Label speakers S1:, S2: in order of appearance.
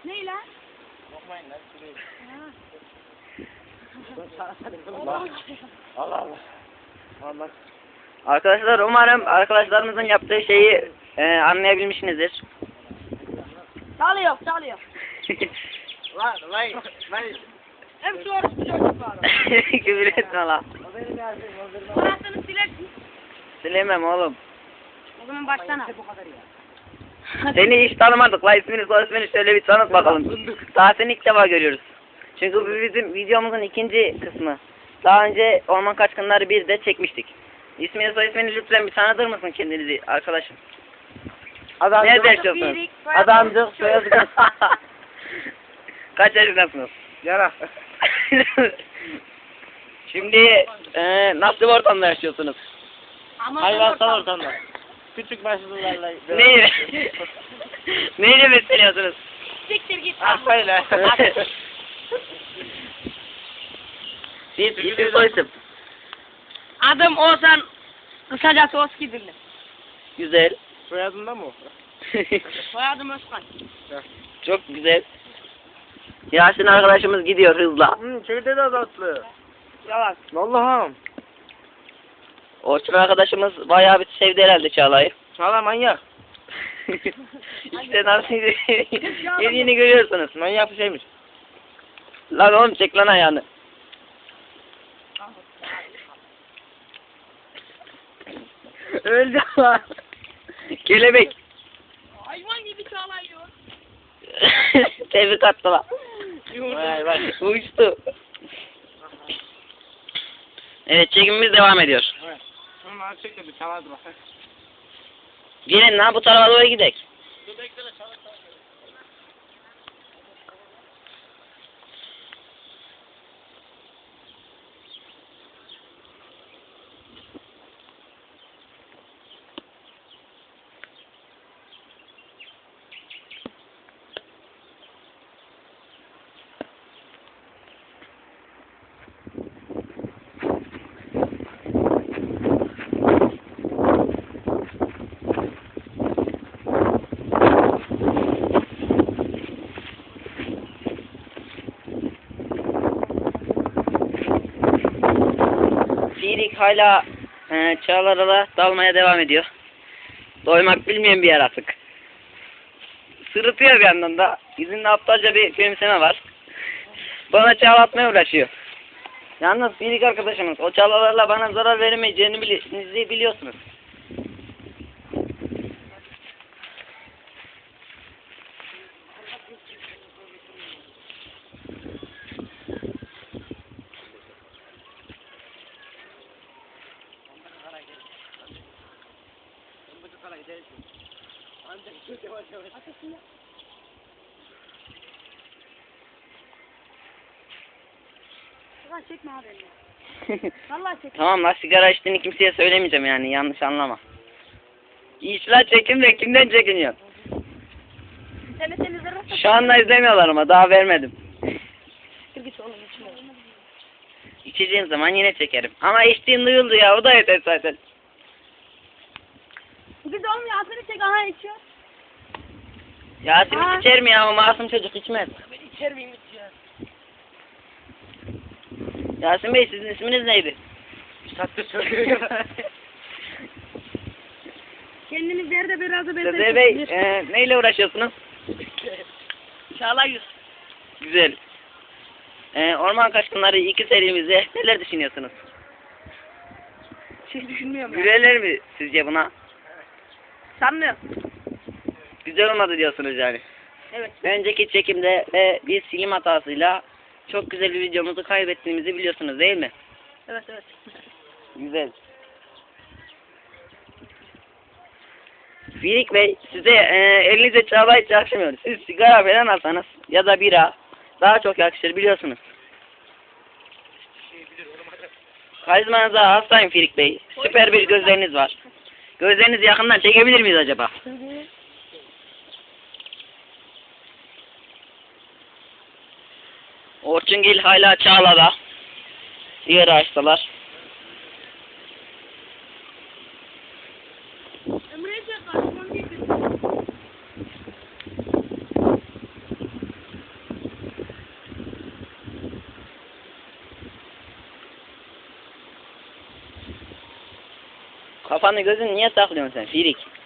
S1: Ne lan?
S2: Bakmayın lan.
S1: Allah
S2: Allah. Allah.
S3: Arkadaşlar umarım arkadaşlarımızın yaptığı şeyi anlayabilmişsinizdir.
S1: Çalıyor.
S2: Lan.
S1: Hem şu orası bir çocuk var.
S3: Küfür etme lan.
S2: O benim yazdım.
S1: Parasını silersin.
S3: Silemem oğlum.
S1: O zaman baştan
S2: Bu kadar ya.
S3: Seni hiç tanımadık la, ismini soy ismini şöyle bir tanıt bakalım. Daha seni ilk defa görüyoruz. Çünkü bu bizim videomuzun ikinci kısmı. Daha önce Orman Kaçkınları 1'de çekmiştik. İsmini soy ismini lütfen bir tanıtır mısın kendinizi arkadaşım? Ne yaşıyorsunuz?
S2: Adamcık, soyadı.
S3: Kaç yaşındasınız?
S2: Yara.
S3: Şimdi nasıl bir ortamda yaşıyorsunuz?
S2: Hayvansal ortamda. Küçük başlılarla.
S3: Neyle? Neyle besleniyorsunuz?
S1: Siktir git.
S2: Arsayla.
S3: Siz isim soy isim.
S1: Adım Oğuzhan. Kısacası Oskidirli.
S3: Güzel.
S2: Soyadında mı o?
S1: Soyadım Özkan.
S3: Çok güzel. Yasin arkadaşımız gidiyor hızla.
S2: Çekirdeği de azaltlı.
S1: Yalan.
S2: Allah'ım.
S3: Orçun arkadaşımız bayağı bir sevdi herhalde Çağla'yı.
S2: Çağla manyak.
S3: İşte nasıl yediğini görüyorsunuz.
S2: Manyak bir şeymiş.
S3: Lan oğlum çek lan ayağını.
S2: Öldü lan.
S3: Kelebek.
S1: Hayvan gibi çalıyor.
S3: Tebrik attı lan.
S2: Vay vay.
S3: Uçtu. Evet, çekimimiz devam ediyor.
S2: Evet. Şunu çek de bir çalardı bak.
S3: Gelin lan bu tarafa doğru gidelim.
S2: Dur bekleme çalar.
S3: Firik hala çağlarla dalmaya devam ediyor. Doymak bilmeyen bir yaratık. Sırıtıyor bir yandan da. Yüzünde aptalca bir gülümseme var. Bana çağlatmaya uğraşıyor. Yalnız Firik arkadaşımız o çağlalarla bana zarar veremeyeceğini biliyorsunuz.
S1: Ulan çekme abi elini. Vallahi çekme.
S3: Tamam la, sigara içtiğini kimseye söylemeyeceğim yani, yanlış anlama. İşler çekim de kimden çekiniyorsun?
S1: Seni zırhla.
S3: Şu anda izlemiyorlar ama daha vermedim.
S1: Git oğlum içme.
S3: İçeceğim zaman yine çekerim. Ama içtiğin duyuldu ya, o da yeter zaten.
S1: Git oğlum Yasin'i çek, aha içiyor.
S3: Yasin içer mi ya, o masum çocuk içmez.
S1: Ben içer miyim içiyor?
S3: Yasin Bey, sizin isminiz neydi?
S2: Tatlı söylüyor.
S1: Kendiniz nerede biraz da
S3: Sezer Bey, neyle uğraşıyorsunuz?
S1: Çağla yüz.
S3: Güzel. Orman Kaçkınları 2 serimizde neler düşünüyorsunuz?
S1: Şey düşünmüyorum ya.
S3: Gülerler mi sizce buna?
S1: Sanmıyorum.
S3: Güzel olmadı diyorsunuz yani.
S1: Evet.
S3: Önceki çekimde ve bir silim hatasıyla çok güzel bir videomuzu kaybettiğimizi biliyorsunuz değil mi?
S1: Evet.
S3: Güzel. Firik Bey, size elinize çaba hiç yakışmıyor. Siz sigara falan alsanız ya da bira daha çok yakışır biliyorsunuz. Karizmanıza hastayım Firik Bey. Süper bir gözleriniz var. Gözlerinizi yakından çekebilir miyiz acaba? Orçungil hala Çağla'da. Diğer ağaçtalar. Kafanı gözünü niye saklıyorsun sen Firik?